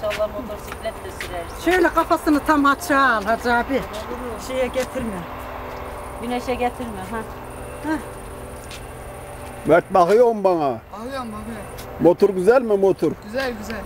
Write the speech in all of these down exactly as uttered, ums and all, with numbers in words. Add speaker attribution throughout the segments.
Speaker 1: İnşallah motosiklet de sürersin.
Speaker 2: Şöyle kafasını tam açığa al Hacı abi. Şeye getirme.
Speaker 1: Güneşe getirme. Ha.
Speaker 2: Heh.
Speaker 3: Mert bakıyor mu bana?
Speaker 4: Bakıyorum bakıyorum.
Speaker 3: Motor güzel mi motor?
Speaker 4: Güzel güzel.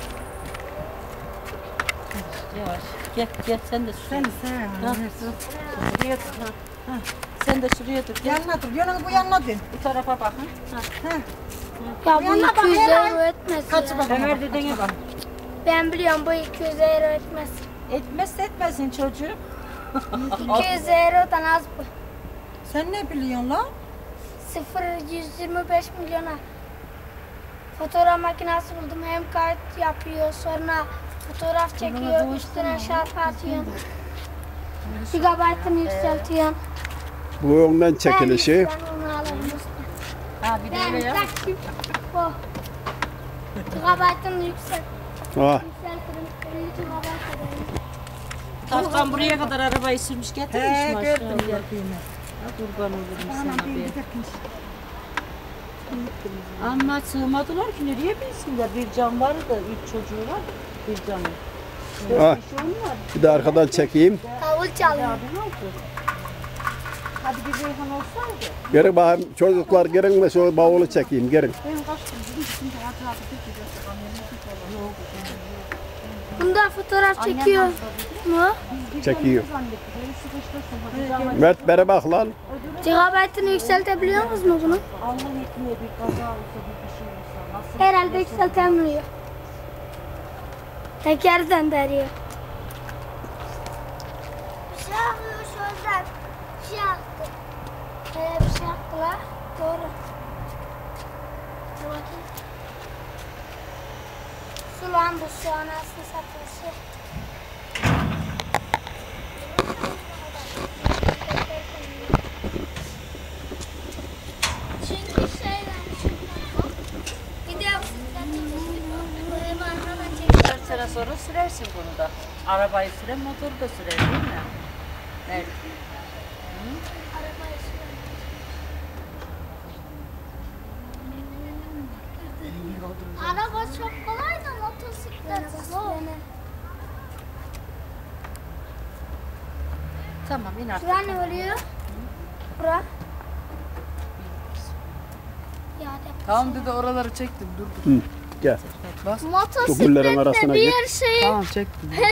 Speaker 1: Yavaş. Gel gel sen de şuraya.
Speaker 2: Sen sen.
Speaker 1: Ha. Şuraya dur. Ha. Ha. Sen de şuraya dur. Gel.
Speaker 2: Yanına dur. Yanına bu yanına dön.
Speaker 1: Bu tarafa bak. Ha. Ha.
Speaker 5: Ya bu
Speaker 2: Yanına bak,
Speaker 5: iki yüz
Speaker 2: helal.
Speaker 5: euro etmez
Speaker 2: Kaç
Speaker 5: ya.
Speaker 2: bak.
Speaker 1: Ömer dedene bak.
Speaker 5: Ben biliyorum bu iki yüz euro etmez.
Speaker 1: Etmezse etmesin çocuğum.
Speaker 5: iki yüz eurodan az bu.
Speaker 2: Sen ne biliyorsun lan?
Speaker 5: sıfır yüz yirmi beş milyona. Fotoğraf makinesi buldum. Hem kayıt yapıyor, sonra fotoğraf çekiyor, üstüne şarkı atıyor. Gigabaytını yükseltiyor.
Speaker 3: Bu önden çekilişi.
Speaker 5: Ben onu alırım usta.
Speaker 1: Ha bir de
Speaker 5: Ben
Speaker 1: öyle yap.
Speaker 5: takip bu. Gigabaytını yüksel,
Speaker 3: Ha.
Speaker 5: yükseltirim. Bir gigabayt ederim.
Speaker 1: Tarkan buraya kadar arabayı sürmüş getirmiş
Speaker 2: He
Speaker 1: maşallah.
Speaker 2: gördüm gördüğümü.
Speaker 1: Ha, kurban olurum
Speaker 2: Anam
Speaker 1: sana
Speaker 2: bir
Speaker 1: be.
Speaker 2: giderken.
Speaker 1: Ama sığmadılar ki nereye bilsinler. Bir can var da üç çocuğu var. Bir canı.
Speaker 3: Ha.
Speaker 1: Bir şey olmaz.
Speaker 3: Bir de arkadan çekeyim.
Speaker 5: Davul çalıyor.
Speaker 1: Ya ne oldu? Hadi bir Reyhan olsaydı.
Speaker 3: Gelin bakayım çocuklar gelin de şu bavulu çekeyim gelin.
Speaker 1: Ben kaçtım. Dedim ki şimdi Hacı abi peki de Yok.
Speaker 5: Bunda fotoğraf çekiyor mu?
Speaker 3: Çekiyor.
Speaker 1: Zannettim. Beni sıkıştırsın. Hadi ama
Speaker 3: Mert bere bak lan.
Speaker 5: Gigabaytını yükseltebiliyor musunuz mu bunu?
Speaker 1: Allah etmeye bir kaza olsa bir bir şey olsa. Nasıl?
Speaker 5: Herhalde yükseltemiyor. Teker döndürüyor. Bir şey yapıyor şuradan. Bir şey yaptı. Ee, bir şey yaptılar. Doğru. Dur bakayım. Su lan bu su anasını satıyor. Çünkü şeyden bir de benim arkadan çekiyor.
Speaker 1: dört sene sonra sürersin bunu da. Arabayı süren motoru da sürer değil mi? Evet.
Speaker 5: Arabayı sürüyor. Araba çok kolay da motosiklet zor.
Speaker 1: Tamam in artık.
Speaker 5: Şura ne oluyor? Bura. Ya de.
Speaker 4: Tamam dedi oraları çektim dur dur.
Speaker 3: Hı, gel.
Speaker 5: Motosikletle
Speaker 3: Dokullların arasına
Speaker 5: bir
Speaker 3: gir.
Speaker 5: şeyi
Speaker 4: Tamam çektim.